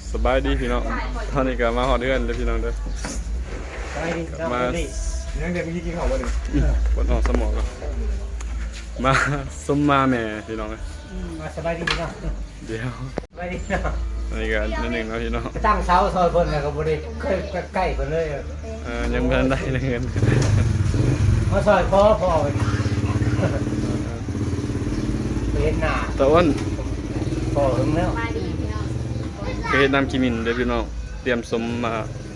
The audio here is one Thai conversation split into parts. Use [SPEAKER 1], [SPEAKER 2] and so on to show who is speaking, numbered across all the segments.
[SPEAKER 1] สบายดีพี่น้องตอนนี้ก็มาฮอดเดือนเลยพี่น้องเด้อมา
[SPEAKER 2] นั่งเด็กพี่กินข้าววันหนึ่ง
[SPEAKER 1] ปวดออกสมองก็มาส้มมาแม่พี่น้องเลย
[SPEAKER 3] มาสบายดีเนาะ
[SPEAKER 1] เดี๋ยว
[SPEAKER 3] สบายดีเนาะ
[SPEAKER 1] อันนี้ก็นิดนึงนะพี่น้อง
[SPEAKER 3] ตั้งเสาซอยเพิ่นแล้วก็บ่ได้เคยใกล้เพิ่นเลย
[SPEAKER 1] ยังไม่ทันได้เลยเงิน
[SPEAKER 3] มาซอยพ่อไปเห็นหน้า
[SPEAKER 1] ตะอ้น
[SPEAKER 3] พ่อเพิ่นแล้ว
[SPEAKER 1] เคยนำกิมินเด้อพี่น้องเตรียมสมมา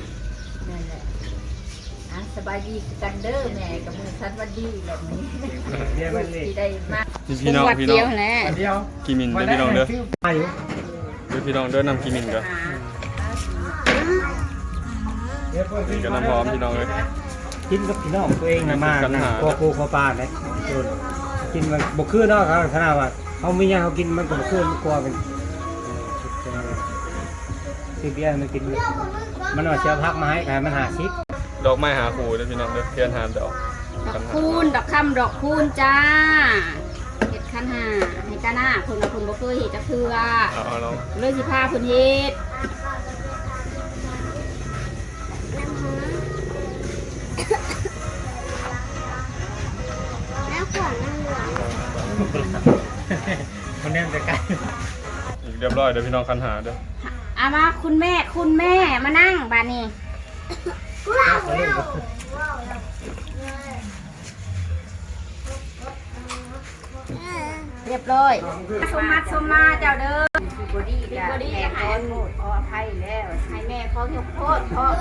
[SPEAKER 4] สบายดีกันเด้อแม่กับมือสันวันดีแบบนี้ที่ได้มาก
[SPEAKER 1] พี่น้อง
[SPEAKER 4] เดียวแหละ
[SPEAKER 1] กิมินเด้อพี่น้องเด้อเด้อพี่น้องเด้อนำกิมินก็นี่ก็น้ำพร้อมพี่น้องเลย
[SPEAKER 3] กินกับพี่น้องตัวเองมาพอกูพอปลาเลยกินมันบ่คือเนาะครับขนาดว่าเขามีหยังเขากินมันก็บ่คือมันกลัวเป็นคือเบียร์มันกินมันเอาเชื้อพักมาให้ใครมัน50
[SPEAKER 1] ดอกไม้หาคู่เด้อพี่น้องเด้อเทียนหาดอก
[SPEAKER 4] คูณดอกคำดอกคูณจ้าเห็ดขันหาให้กาหน้าคนละคนบ่เคยเห็ดจะเคือเลยสิพาคนเห็ด
[SPEAKER 1] แล้วขวานนั่งหลัง
[SPEAKER 3] มันแน่นจะไกล
[SPEAKER 1] เรียบร้อยเด้อพี่น้องคันหาเด้อ
[SPEAKER 4] มาคุณแม่มานั่งบ้านนี้เรียบร้อยสมมาเจ้าเด้อบอดี้แม่ขอโทษขออภัยแล้วให้แม่ขอยกโทษขอ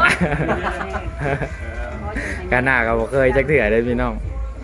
[SPEAKER 2] การหน้าก็บ่เคยจักเถื่อเลยพี่น้อง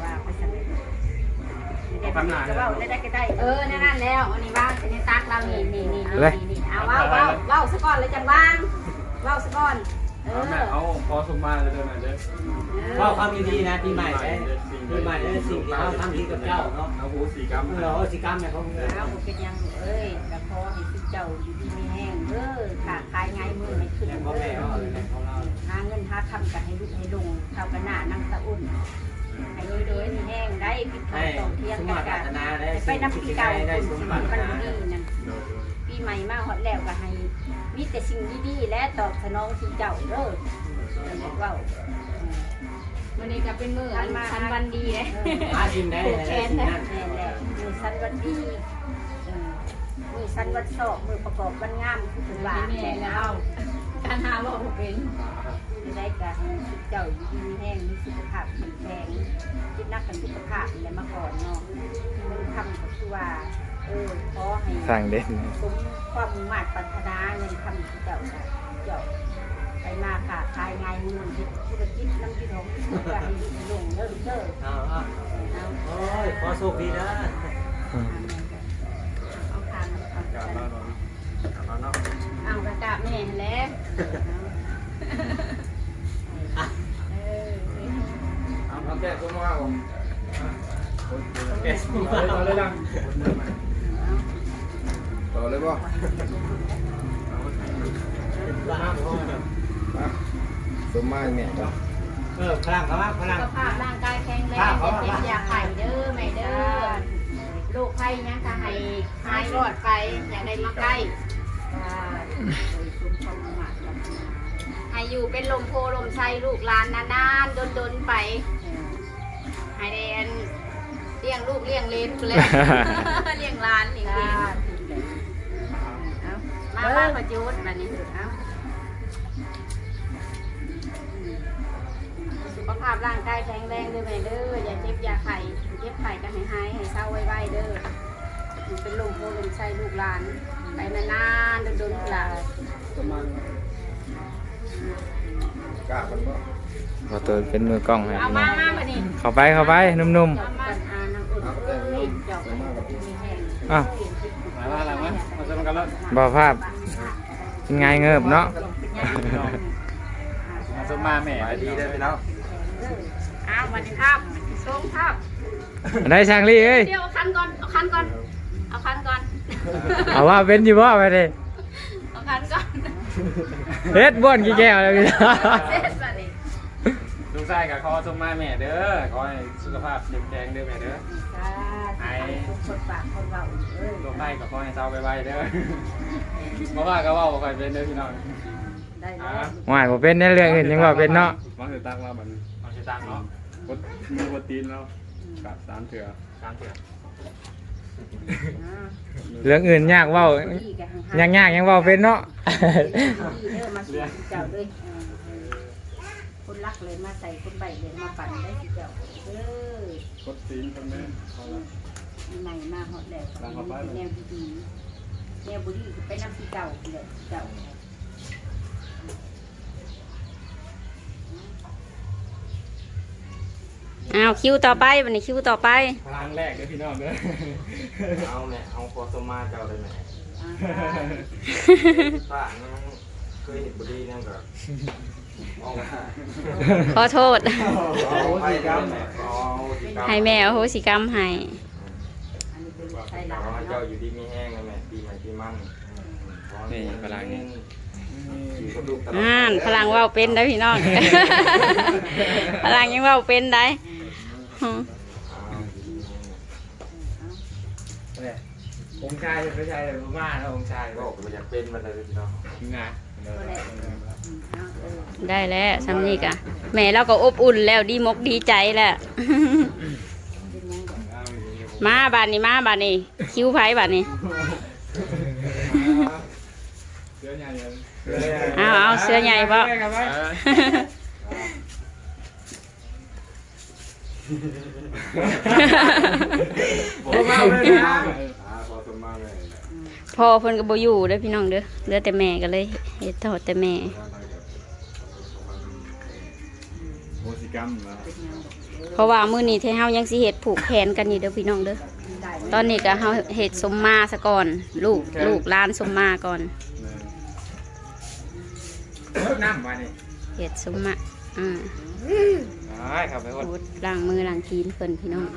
[SPEAKER 4] จะว่าได้ก็ได้นั่นแล้วอันนี้บ้างอันนี้ตักเรานี่เอาว้าวซะก่อนเลยจังบ้างว้าวซะก่อน
[SPEAKER 1] แม่เอาพอสมมาเลยเด้อแม่เด้อ
[SPEAKER 3] ว่าความดีนะปีใหม่ได้ปีใหม่ได้สิ่งที่เขาทำดีกับเจ้าเนาะ
[SPEAKER 1] เอาโหสีกรรม
[SPEAKER 3] สีกรรมเนี่ยเขา
[SPEAKER 4] แล้วเป็นยังแต่พอให้สิเจ้าอยู่ดีมีแห้งขาขายง่ายมือให้ขึ้นหาเงินหาทำกันให้ลุกให้ลงเท่ากันหน้านั่งตะอุ่นให้โดยมีแห้งได้ปิดทองต่อเทียนกันไปน้ำปีเก่ามันดีนั่นปีใหม่มาฮอดแล้วก็ให้มีแต่สิ่งดีๆและตอบสนองที่เจ้าว้าววันนี้ก็เป็นมือสันวันดีเลยผูกแขนนะมือสันวันดีมือสันวันสอบมือประกอบวันงามคือว่าแม่แล้วการหาว่าเป็นได้การเจ้าอยู่ดีแห้งมีสุขภาพแข็งแรงคิดนักกันสุขภาพอะไรมาก่อนเนาะมันทำก็คือว่าขอให้
[SPEAKER 2] สั่งเด่น
[SPEAKER 4] สมความมุ่งมั่นปรารถนาเงินทำเจ้าไปมาค่ะขายง่ายมือธุรกิจน้ำที่ของจะให้ลงเริ่ม
[SPEAKER 3] โอ้ยขอโชคดีนะ
[SPEAKER 4] เอากระกาบแม่แล้ว
[SPEAKER 1] เอาแก้ตัวมาผม
[SPEAKER 3] แกะสู้มาเลยดัง
[SPEAKER 2] ต่อเลยป่ะสมมาเนี่ย
[SPEAKER 3] พลังเขาว่าพลัง
[SPEAKER 4] สุขภาพร่างกายแข็งแรงเจ็บอยากไข่เด้อไม่เด้อลูกไข่ยังจะให้หายรอดไปอยากได้มาใกล้ให้อยู่เป็นลมโพลมไส้ลูกหลานนานๆดนไปให้เดนเลี้ยงลูกเลี้ยงเลนไปเลยเลี้ยงหลานเลี้ยงเลนมาประยุทธ์แบบนี้สุขภาพร่างกายแข็งแรงด้วยแม่เด้ออย่าเจ็บอย่าไข้เจ็บไข้ก็ให้หายให้เศร้าไว้เด้อเป็นลมโพลมไส้ลูกหลานไปนานๆดนๆล่ะ
[SPEAKER 2] พอตัวเป็นมือกล้องให้
[SPEAKER 4] เอามาแบบนี้
[SPEAKER 2] เข้าไปนุ่มๆอ้าวบ่ภาพเป็นไงเงิบเนาะ
[SPEAKER 1] สมมาแม่ดีได้ไปแล้ว
[SPEAKER 4] วันนี้ครับส่งครับ
[SPEAKER 2] ได้ช่างลี่เอ้ย
[SPEAKER 4] เดี๋ยวเอาคันก่อน
[SPEAKER 2] เอาว่าเป็นอยู่บ่ไปดิ
[SPEAKER 4] เอาคันก่อน
[SPEAKER 2] เฮ็ดบ้วนกี่แก้วแล้วพี่
[SPEAKER 1] ลูกชายกับขอสมมาแม่เด้อขอให้สุขภาพแข็งแรงเด้อแม่เด้อหาย
[SPEAKER 4] ทุกคนปากคนเราเอ้ย
[SPEAKER 1] ลงไปกับพ่อให้เจ้าไปเด้อเพราะว่าก็ว่าบ่ค่อยเป็นเด้อพี่น้อง
[SPEAKER 4] ได้แล้ว
[SPEAKER 2] ว่าบ่เป็นในเรื่องอื่นยังว่าเป็นเนาะ
[SPEAKER 1] มาสิตักแล้วบัดนี้มาสิตักเนาะกดมือกดตีนแล้วกับ3เถื่อ3เถื่อ
[SPEAKER 2] เรื่องอื่นยากเว้ายากยังเว้าเป็นเนาะ
[SPEAKER 4] มาสู่เจ้าด้วยคนรักเลยมาใส่คนใบเลยมาปั่นได้สิเจ้าเด้อก
[SPEAKER 1] ดตีนคนแม่เอาละ
[SPEAKER 4] ใหม่มาหอดแหลกแนวดีๆแนวบุรีไปนำที่เก่าเลยเจ้า
[SPEAKER 5] อ้าวคิวต่อไปวันนี้คิวต่อไป
[SPEAKER 1] พลังแรกเด้อพี่น้องเด้อ
[SPEAKER 6] เอาแม่เอาโคสมาเจ้าเลยแม่ป้ายังเคยเห็นบุรีนั่นก็เอา
[SPEAKER 5] ขอโทษ
[SPEAKER 6] เอาสิกรรมแม่เอาสิกรรม
[SPEAKER 5] ให้แม่อโหสิกรรมให้
[SPEAKER 4] อันนี้เป็นไทย
[SPEAKER 6] ข
[SPEAKER 4] ลา
[SPEAKER 6] อให้
[SPEAKER 4] ว
[SPEAKER 6] เจ้าอยู่ดีมีแห้งนะแม่ปีใหม่ปีมันอยู่กับลูกตลอด
[SPEAKER 5] พลังเว่าเป็นได้พี่น้อง พลังยังเว่าเป็นได้อืม
[SPEAKER 2] องค์ชายจะไม่ใช่มาแล้วองค์ชาย
[SPEAKER 6] ก็บอกว่าอยากเป็นมาเลยพี่น้อง
[SPEAKER 2] งาน
[SPEAKER 5] ได้แล้วซ้ำนี่กะแม่เราก็อบอุ่นแล้วดีมกดีใจแล้ว มาบานนี้มาบานนี้คิวไผ่บานนี้
[SPEAKER 1] เสื้อใหญ่เลย
[SPEAKER 5] เอาเสื้อใหญ่บ่
[SPEAKER 1] โอ้มาเลยนะ
[SPEAKER 6] โคสมาเลย
[SPEAKER 5] พ่อเพิ่นก็บ่อยู่เด้อพี่น้องเด้อเหลือแต่แม่ก็เลยเฮ็ดทอดแต่แม่
[SPEAKER 1] โมสิกรรมนะ
[SPEAKER 5] เพราะว่ามื้อนี้ที่เฮายังสิเฮ็ดผูกแขนกันอยู่เด้อพี่น้องเด้อตอนนี้ก็เฮาเฮ็ดสมมาซะก่อนลูกหลานสมมาก่อน
[SPEAKER 2] น้ำมานี่
[SPEAKER 5] เฮ็ดสมมา
[SPEAKER 2] ครับไปคน
[SPEAKER 5] พูดล้างมือล้างตีนเพิ่นพี่น้อง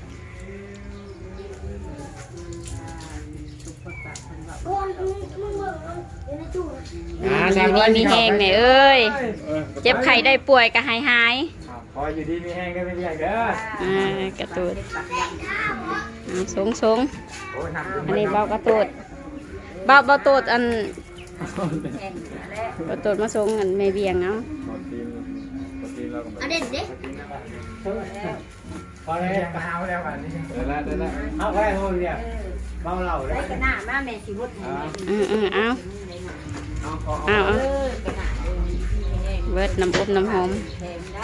[SPEAKER 5] อยู่นี่มีแห้งแม่เอ้ยเจ็บไข้ได้ป่วยก็หาย
[SPEAKER 2] พออยู่ดีมีแห้งก็ไม่เรียกเด้อก
[SPEAKER 5] ระตูดสง
[SPEAKER 2] โอ้น้ำ
[SPEAKER 5] อันนี้เบากระตูดเบาตูดอันเบาตูดมาสงอันแม่เบียงเนาะ
[SPEAKER 1] กดตีนแล้วก็แบบ
[SPEAKER 5] เด็ดเด็ด
[SPEAKER 2] พอแล้วมาเอาแล้วกันนี่
[SPEAKER 1] ได้แล้ว
[SPEAKER 3] เอาไปโหเนี่ยเมาเหล้าเลย
[SPEAKER 4] ได้กระหน้ามาแม่สิวดหมู
[SPEAKER 5] เอา
[SPEAKER 4] เออกระหน้าแห้ง
[SPEAKER 5] เบิดน้ำอบน้ำหอม
[SPEAKER 4] แห้งได้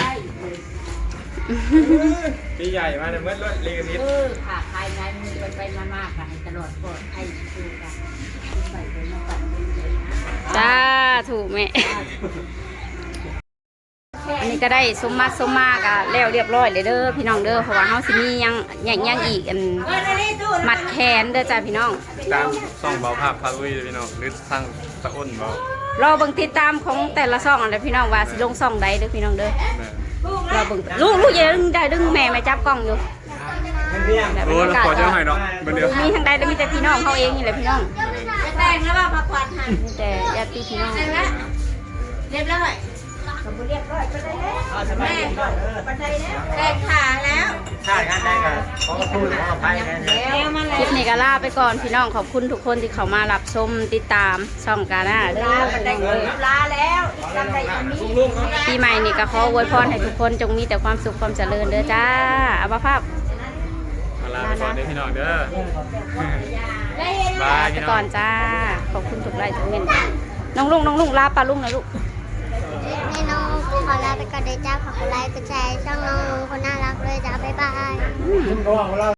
[SPEAKER 1] ปีใหญ่มาเนี่ยเมื่อเรียนนิด
[SPEAKER 4] ค่ะภายในมือไปมากๆค่ะให้ตลอดปลอดให้ดูค่ะใส่เป็นมาปั่นเป็นเลยนะ
[SPEAKER 5] จ้าถูกแม่อันนี้ก็ได้สมมากะแล้วเรียบร้อยเลยเด้อพี่น้องเด้อเพราะว่าเฮาสิมียังอีกอันมัดแขนเด้อจ้าพี่น้อง
[SPEAKER 1] ตามส่องเบาภาพพาลุยเลยพี่น้องหรือทางตะอ้นเบาร
[SPEAKER 5] อเบิ่งติดตามของแต่ละซ่องอันเด้อพี่น้องว่าสิลงซ่องใดเด้อพี่น้องเด้อ
[SPEAKER 1] แม่
[SPEAKER 5] เราเบิ่งลูกอย่าดึงแม่มาจับกล้องอยู่
[SPEAKER 1] โอ้แล้วขอเจ้าให้เนาะเดี๋ยว
[SPEAKER 5] มีทางใดแล้วมีแต่พี่น้องเขาเองนี่แหละพี่น้อง
[SPEAKER 4] แต่งแล้วว่าพักผ่อนหัน
[SPEAKER 5] มีแต่ญาติพี่น้อง
[SPEAKER 4] เรียบร้อยสมบูรณ์เรียบร้อยไปได้แล้วแม่ไปได้แล้วแตงขาแล้ว
[SPEAKER 3] ใช่กันได้กันขอพูดขออภัยกัน
[SPEAKER 4] แล้วมา
[SPEAKER 5] ค
[SPEAKER 4] แล้
[SPEAKER 5] ลิ
[SPEAKER 4] ว
[SPEAKER 5] ปนี้ก็ลาไปก่อนพี่น้องขอบคุณทุกคนที่เข้ามารับชมติดตามช่องกาหน้าเด้อ
[SPEAKER 4] ไปได้ลาแล้วจำได้อย่างนี้
[SPEAKER 5] ปีใหม่นี่ก็ขออวยพรให้ทุกคนจงมีแต่ความสุขความเจริญเด้อจ้าอาภาพ
[SPEAKER 1] มาลาไปก่อนเด้อพี่น้องเด้อ
[SPEAKER 5] ลาไปก่อนจ้าขอบคุณทุกไลค์ทุกเงินน้องลุงลาปลาลุงนะลูก
[SPEAKER 7] แม่น้องขอลาไปก่อนเลยจ้าขอบคุณไลค์กดแชร์ช่องน้องลุงคนน่ารักเลยจ้าบ๊ายบาย
[SPEAKER 3] คุณก็ว่าเรา